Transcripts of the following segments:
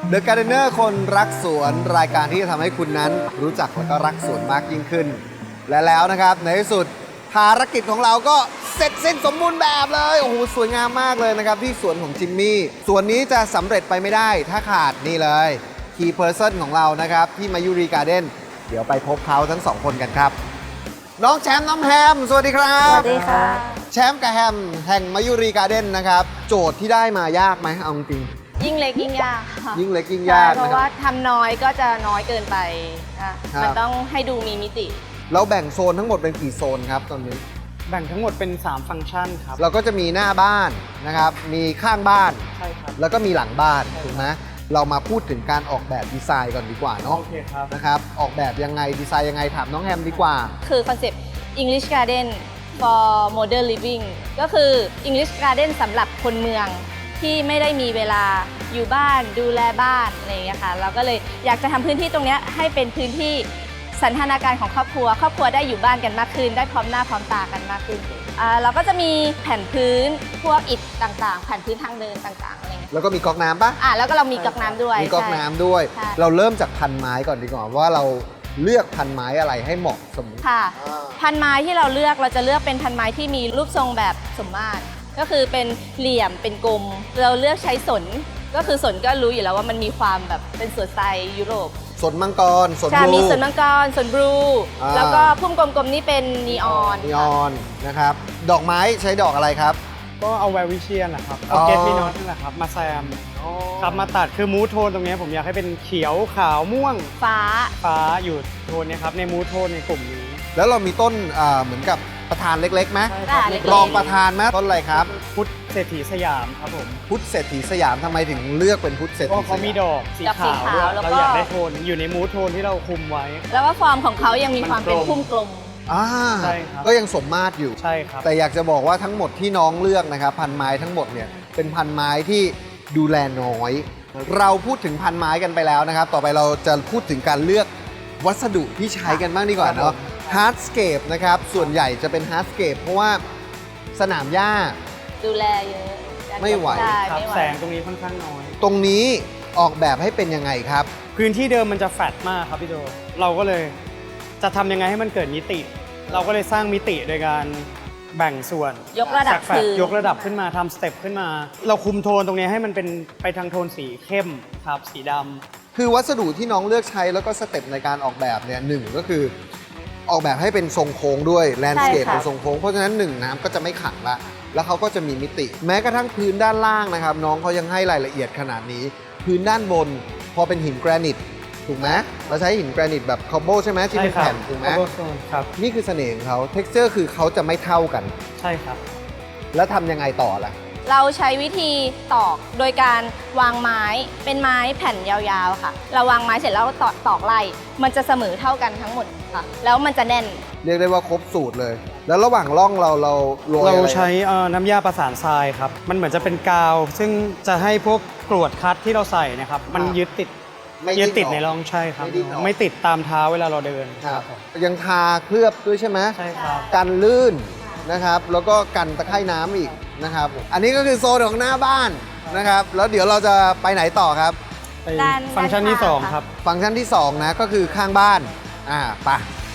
The Gardener คนรักสวนรายการที่จะทำให้คุณนั้นรู้จักและก็รักสวนมากยิ่งขึ้น และแล้วนะครับในที่สุดภารกิจของเราก็เสร็จสิ้นสมบูรณ์แบบเลยโอ้โหสวยงามมากเลยนะครับที่สวนของจิมมี่สวนนี้จะสำเร็จไปไม่ได้ถ้าขาดนี่เลย Key Person ของเรานะครับที่มายูรีการ์เด้นเดี๋ยวไปพบเขาทั้งสองคนกันครับน้องแชมป์น้องแฮมสวัสดีครับสวัสดีค่ะแชมป์กับแฮมแห่งมายูรีการ์เด้นนะครับโจทย์ที่ได้มายากไหมเอาจริงยิ่งเล็กยิ่งยากค่ะยิ่งเล็กยิ่งยากใช่เพนะราะคว่ารับทำน้อยก็จะน้อยเกินไปค่ะครับมันต้องให้ดูมีมิติเราแบ่งโซนทั้งหมดเป็นกี่โซนครับตอนนี้แบ่งทั้งหมดเป็น 3 ฟังก์ชันครับเราก็จะมีหน้าบ้านนะครับมีข้างบ้านใช่ครับแล้วก็มีหลังบ้านถูกไหมเรามาพูดถึงการออกแบบดีไซน์ก่อนดีกว่าเนาะโอเคครับนะครับออกแบบยังไงดีไซน์ยังไงถามน้องแฮมดีกว่าคือคอนเซปต์ English Garden for Modern Living ก็คือ English Garden สำหรับคนเมืองที่ไม่ได้มีเวลาอยู่บ้านดูแลบ้านอะไรอย่างเงี้ยค่ะเราก็เลยอยากจะทำพื้นที่ตรงเนี้ยให้เป็นพื้นที่สันทนาการของครอบครัวได้อยู่บ้านกันมากขึ้น ได้พร้อมหน้าพร้อมตากันมากขึ้นเราก็จะมีแผ่นพื้นพวกอิฐต่างๆ แผ่นพื้นทางเดินต่างๆอะไรเงี้ยแล้วก็มีก๊อกน้ำปะแล้วก็เรามีก๊อกน้ำด้วยมีก๊อกน้ำด้วยใช่เราเริ่มจากพันไม้ก่อนดีกว่าว่าเราเลือกพันไม้อะไรให้เหมาะสมค่ะ พันไม้ที่เราจะเลือกเป็นพันไม้ที่มีรูปทรงแบบสมมาตรก็คือเป็นเหลี่ยมเป็นกลมเราเลือกใช้สนก็คือสนก็รู้อยู่แล้วว่ามันมีความแบบเป็นสวนสไตล์ยุโรปสนมังกรสนใช่บลูมีสนมังกรสนบลูอ่าแล้วก็พุ่มกลมๆนี่เป็นนีออนนีออนนะครับดอกไม้ใช้ดอกอะไรครับก็เอาแวร์วิเชียนนะครับอ๋เอาอเกตมีนอตนั่นแหละครับ มาแซมครับมาตัดคือมูทโทนตรงเนี้ยผมอยากให้เป็นเขียวขาวม่วงฟ้าฟ้าอยู่โทนเนี้ยครับในมูทโทนในกลุ่มนี้แล้วเรามีต้นเหมือนกับประธานเล็กๆไหมใช่ครับเล็กรองประธานไหมต้นอะไรครับพุทธเศรษฐีสยามครับผมพุทธเศรษฐีสยามทำไมถึงเลือกเป็นพุทธเศรษเพฐีราะเขามีสยดอกสีดอกสีขาวขาวด้วยแล้วก็เราอยากได้โทนอยู่ในมูทโทนที่เราคุมไว้แล้วก็ฟอร์มของเขายังมีความเป็นมันกลมพุ่มกลมอ่าใช่ครับก็ยังสมมาตรอยู่ใช่ครับแต่อยากจะบอกว่าทั้งหมดที่น้องเลือกนะครับพันไม้ทั้งหมดเนี่ยเป็นพันไม้ที่ดูแลน้อย เราพูดถึงพันไม้กันไปแล้วนะครับ ต่อไปเราจะพูดถึงการเลือกวัสดุที่ใช้กันบ้างดีกว่าเนาะฮาร์ดสเคปนะครับส่วนใหญ่จะเป็นฮาร์ดสเคปเพราะว่าสนามหญ้าดูแลเยอะไม่ไหวใช่ครับไม่ไหวแสงตรงนี้ค่อนข้างน้อยตรงนี้ออกแบบให้เป็นยังไงครับพื้นที่เดิมมันจะแฟลตมากครับพี่โจเราก็เลยจะทำยังไงให้มันเกิดมิติ เราก็เลยสร้างมิติโดยการแบ่งส่วนยกระดับจากแฟลตคือยกระดับขึ้นมาทำสเต็ปขึ้นมา เราคุมโทนตรงนี้ให้มันเป็นไปทางโทนสีเข้มครับสีดำคือวัสดุที่น้องเลือกใช้แล้วก็สเต็ปในการออกแบบเนี่ยหนึ่งก็คือออกแบบให้เป็นทรงโค้งด้วยแลนด์สเคปเป็นทรงโค้งเพราะฉะนั้นหนึ่งน้ำก็จะไม่ขังละแล้วเขาก็จะมีมิติ แม้กระทั่งพื้นด้านล่างนะครับ น้องเขายังให้รายละเอียดขนาดนี้ พื้นด้านบนพอเป็นหินแกรนิตถูกไหมเราใช้หินแกรนิตแบบคอบโบใช่ไหมที่เป็นแผ่นถูกไหม Cobblestone ครับนี่คือเสน่ห์ของเขาเท็กเจอร์คือเขาจะไม่เท่ากันใช่ครับแล้วทำยังไงต่อล่ะเราใช้วิธีตอกโดยการวางไม้เป็นไม้แผ่นยาวๆค่ะ เราวางไม้เสร็จแล้วเราตอกไล่มันจะเสมอเท่ากันทั้งหมดค่ะ แล้วมันจะแน่นเรียกได้ว่าครบสูตรเลย แล้วระหว่างร่องเราโรยเราอะไรใช้น้ำยาประสานทรายครับ มันเหมือนจะเป็นกาว ซึ่งจะให้พวกกรวดคัดที่เราใส่นะครับ มันยึดติดไม่ยึดติดออกในร่องใช่ครับไม่ดิ้นออกไม่ติดตามเท้าเวลาเราเดินครับยังทาเคลือบด้วยใช่ไหมใช่ครับกันลื่นนะครับ แล้วก็กันตะไคร่น้ำอีกนะครับ อันนี้ก็คือโซนของหน้าบ้านนะครับ แล้วเดี๋ยวเราจะไปไหนต่อครับไปด้านฟังก์ชันที่ด้านข้าง 2 ครับฟังก์ชันที่ 2 นะก็คือข้างบ้านไป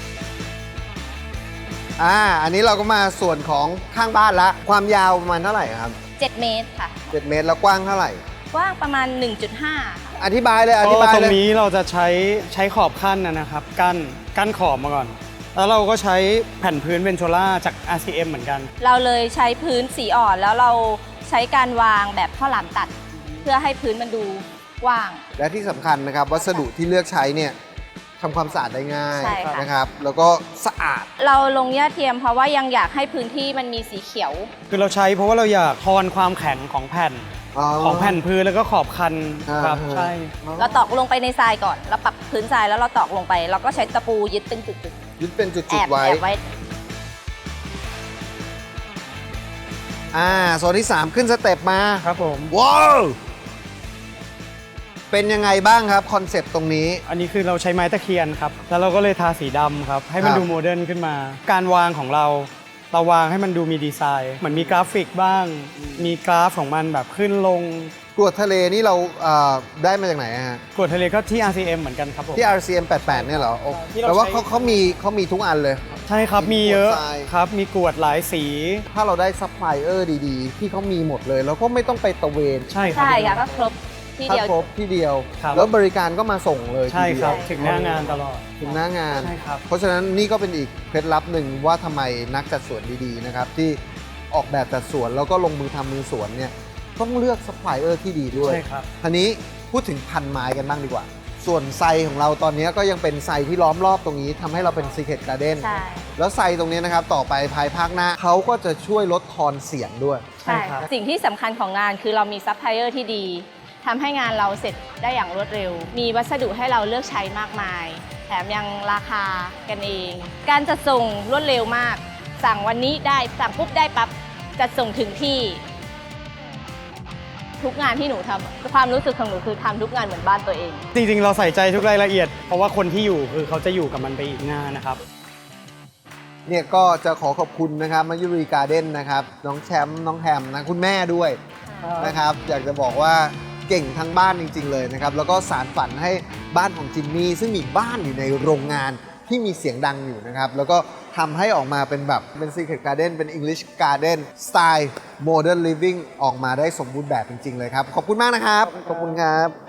อันนี้เราก็มาส่วนของข้างบ้านละความยาวประมาณเท่าไหร่ครับ 7 เมตรค่ะ 7 เมตรแล้วกว้างเท่าไหร่กว้างประมาณ 1.5 ค่ะอธิบายเลยอธิก็บายตรเลงยนี้เราจะใช้ขอบขั้นนะครับ กั้นขอบมาก่อน แล้วเราก็ใช้แผ่นพื้นเวนโชล่าจาก RCM เหมือนกันเราเลยใช้พื้นสีอ่อนแล้วเราใช้การวางแบบข้าวหลามตัด เพื่อให้พื้นมันดูกว้างและที่สำคัญนะครับวัสดุที่เลือกใช้เนี่ยทำความสะอาดได้ง่ายใช่ค่ะนะครับ แล้วก็สะอาดเราลงหญ้าเทียมเพราะว่ายังอยากให้พื้นที่มันมีสีเขียวคือเราใช้เพราะว่าเราอยากทอนความแข็งของแผ่นของแผ่นพื้นแล้วก็ขอบคันครับอ่าใช่เราตอกลงไปในทรายก่อน เราปรับพื้นทรายแล้วเราตอกลงไป เราก็ใช้ตะปูยึดเป็นจุดยึดเป็นจุๆแอดบๆไว้แอบไว้โซนที่ 3 ขึ้นสเต็ปมาครับผมว้าวเป็นยังไงบ้างครับคอนเซปต์ตรงนี้อันนี้คือเราใช้ไม้ตะเคียนครับ แล้วเราก็เลยทาสีดำครับ ให้มันครับดูโมเดิร์นขึ้นมา การวางของเราวางให้มันดูมีดีไซน์ เหมือนมีกราฟิกบ้าง มีกราฟของมันแบบขึ้นลงกรวดทะเลนี่เราได้มาจากไหนฮะกรวดทะเลก็ที่ RCM เหมือนกันครับผมที่ RCM 88เนี่ยเหรอโอ้ที่เราแต่ว่าใช้เขามีทุกอันเลยใช่ครับมีเยอะกรวดทรายครับมีกรวดหลายสีถ้าเราได้ซัพพลายเออร์ดีๆ ที่เขามีหมดเลย แล้วก็ไม่ต้องไปตะเวนใช่ครับใช่ค่ะก็ครบที่ถ้าเดียวครบที่เดียวครับแล้วบริการก็มาส่งเลยใช่ทีเดีคยวรับถึงหน้างานตลอดถึงหน้างานใช่ครับเพราะฉะนั้นนี่ก็เป็นอีกเคล็ดลับหนึ่งว่าทำไมนักจัดสวนดีๆนะครับที่ออกแบบจัดสวนแล้วก็ลงมือทำมือสวนเนี่ยต้องเลือกซัพพลายเออร์ที่ดีด้วยใช่ครับทีนี้พูดถึงพันไม้กันบ้างดีกว่า ส่วนไซของเราตอนนี้ก็ยังเป็นไซที่ล้อมรอบตรงนี้ทำให้เราเป็น Secret Garden ใช่แล้วไซตรงนี้นะครับต่อไปภายภาคหน้าเขาก็จะช่วยลดทอนเสียงด้วยใช่ครับสิ่งที่สำคัญของงานคือเรามีซัพพลายเออร์ที่ดีทำให้งานเราเสร็จได้อย่างรวดเร็ว มีวัสดุให้เราเลือกใช้มากมาย แถมยังราคากันเอง การจัดส่งรวดเร็วมาก สั่งวันนี้ได้สั่งปุ๊บได้ปั๊บจัดส่งถึงที่ ทุกงานที่หนูทำความรู้สึกของหนูคือทำทุกงานเหมือนบ้านตัวเองจริงๆ เราใส่ใจทุกรายละเอียด เพราะว่าคนที่อยู่คือเขาจะอยู่กับมันไปอีกนานนะครับเนี่ยก็จะขอขอบคุณนะครับมายุรีการ์เด้นนะครับน้องแชมป์น้องแฮมนะคุณแม่ด้วยนะครับอยากจะบอกว่าเก่งทั้งบ้านจริง ๆ เลยนะครับแล้วก็สารฝันให้บ้านของจิมมี่ซึ่งมีบ้านอยู่ในโรงงานที่มีเสียงดังอยู่นะครับแล้วก็ทำให้ออกมาเป็นแบบเป็น Secret Garden เป็น English Garden สไตล์ Modern Living ออกมาได้สมบูรณ์แบบจริง ๆ เลยครับ ขอบคุณมากนะครับ ขอบคุณครับ